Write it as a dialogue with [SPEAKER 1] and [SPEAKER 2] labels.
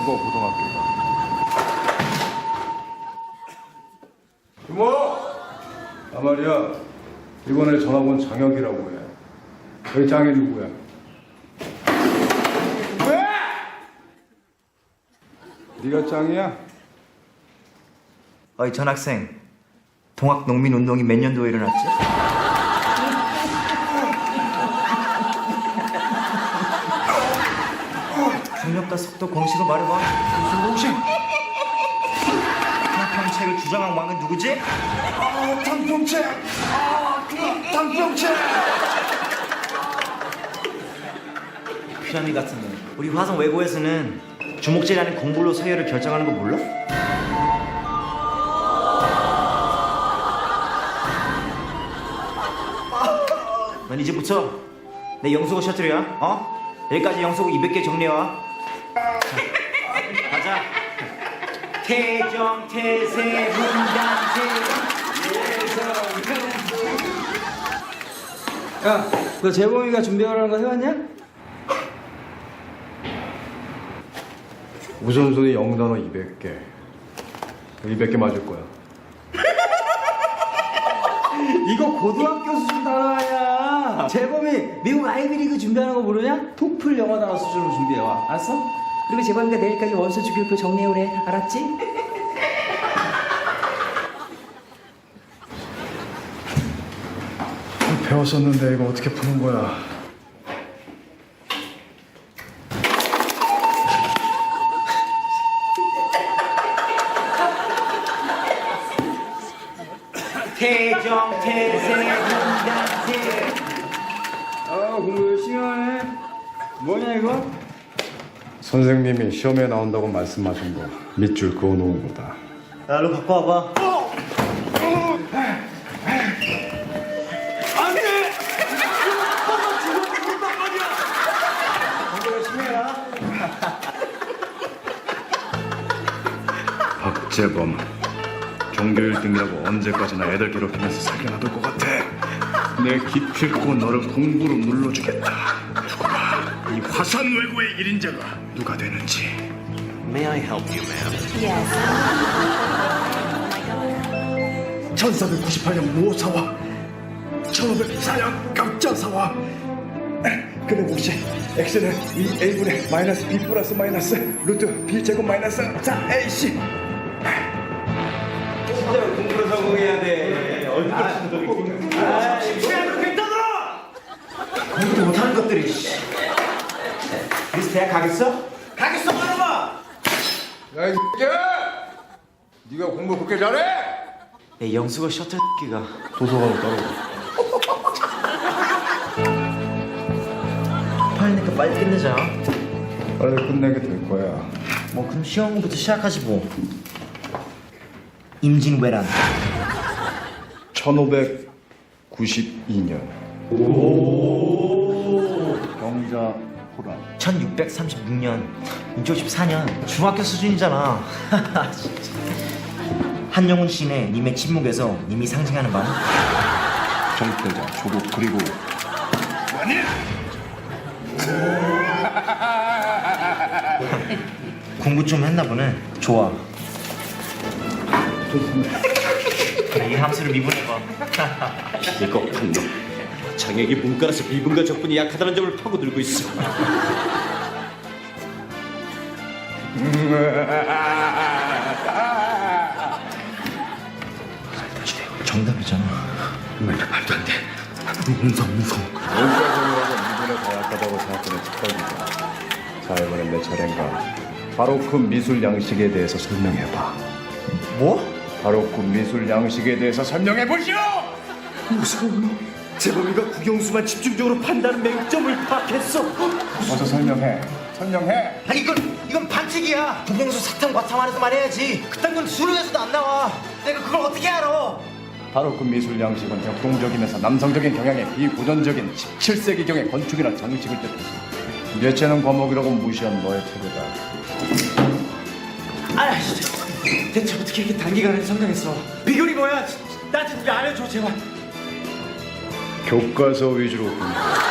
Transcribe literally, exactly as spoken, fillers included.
[SPEAKER 1] 국어 고등학교가. 이모! 아 말이야, 이번에 전학 온 장혁이라고 해. 여기 짱이 누구야? 왜? 네가 짱이야?
[SPEAKER 2] 어이 전학생, 동학농민운동이 몇 년도에 일어났지? 강력과 속도 공식을 말해봐. 무슨 공식? 평평책을 주장한 왕은 누구지?
[SPEAKER 1] 아, 당평채! 아, 당평채!
[SPEAKER 2] 피라미 같은 놈. 우리 화성 외고에서는 주목제라는 공불로 서열을 결정하는 거 몰라? 넌 이제부터 내 영수고 셔틀이야. 어? 여기까지 영수고 이백 개 정리해와. 자, 가자. 태정, 태세, 문단세.
[SPEAKER 3] 야, 너 재범이가 준비하라는 거 해왔냐?
[SPEAKER 1] 우선순위 영단어 이백 개. 이백 개 맞을 거야.
[SPEAKER 3] 이거 고등학교 수준 단어 아니야. 재범이 미국 아이비리그 준비하는 거 모르냐? 토플 영어 단어 수준으로 준비해와. 알았어? 그리고 재범이가 내일까지 원서 주기표 정리해오래. 알았지?
[SPEAKER 1] 배웠었는데 이거 어떻게 푸는 거야?
[SPEAKER 2] 태정, 태세, 문단세.
[SPEAKER 3] 아, 공부 열심히 하네. 뭐냐 이거?
[SPEAKER 1] 선생님이 시험에 나온다고 말씀하신 거 밑줄 그어놓은 거다.
[SPEAKER 2] 야, 일로 갖고 와봐.
[SPEAKER 1] 박재범, 종교 일 등이라고 언제까지나 애들 괴롭히면서 살게 놔둘 것 같아. 내 기필코 너를 공부로 눌러주겠다. 두고 봐, 이 화산 외고의 일인자가 누가 되는지.
[SPEAKER 2] May I help you, ma'am?
[SPEAKER 4] Yes.
[SPEAKER 1] 천사백구십팔 년 모사와 천오백사 년 갑자사와. 근데 혹시 x는 이 a분의 마이너스 b 플러스 마이너스 루트 b 제곱 마이너스 사 에이씨.
[SPEAKER 2] 공부를 성공해야 돼. 얼굴 아, 시간을 괜찮아! 공부도 못하는 것들이. 그래서 대학 가겠어? 가겠어, 말아봐!
[SPEAKER 1] 야, 이 새끼야! 네가 공부 그렇게 잘해?
[SPEAKER 2] 내 영수가 셔틀기가
[SPEAKER 1] 도서관으로 따라오고.
[SPEAKER 2] 빨리니까 빨리 끝내자.
[SPEAKER 1] 빨리 끝내게 될 거야.
[SPEAKER 2] 뭐 그럼 시험부터 시작하지 뭐. 임진왜란.
[SPEAKER 1] 천오백구십이 년. 경자 호란.
[SPEAKER 2] 천육백삼십육 년. 육백오십사 년. 중학교 수준이잖아. 진짜. 한영훈 시인의 님의 침묵에서 님이 상징하는 바는?
[SPEAKER 1] 정태자, 조국, 그리고 아니!
[SPEAKER 2] 공부 좀 했나 보네. 좋아. 그래, 이 함수를 미분해봐.
[SPEAKER 5] 이거 판놈 장혁이 문과라서 미분과 적분이 약하다는 점을 파고들고 있어.
[SPEAKER 2] 정답이잖아.
[SPEAKER 5] 말도 안 돼. 무서워 무서워.
[SPEAKER 1] 문과생이라고 미분에 더 약하다고 생각하는 착각이다. 자, 이번엔 내 차례인가. 바로 그 미술 양식에 대해서 설명해봐.
[SPEAKER 2] 뭐?
[SPEAKER 1] 바로 그 미술 양식에 대해서 설명해보시오!
[SPEAKER 5] 무서워. 재범이가 국영수만 집중적으로 판다는 맹점을 파악했어.
[SPEAKER 1] 어서 설명해. 설명해.
[SPEAKER 2] 아니 이건 이건 반칙이야. 국영수 사탐 과탐안에서만 해야지. 그딴 건 수능에서도 안 나와. 내가 그걸 어떻게 알아?
[SPEAKER 1] 바로 그 미술 양식은 역동적이면서 남성적인 경향의 비고전적인 십칠 세기경의 건축이나 장식을 뜻하지. 예체능 과목이라고 무시한 너의 태도다.
[SPEAKER 2] 아 진짜. 대체 어떻게 이렇게 단기간에 성장했어? 비결이 뭐야? 나 좀 알려줘 제발.
[SPEAKER 1] 교과서 위주로 공부.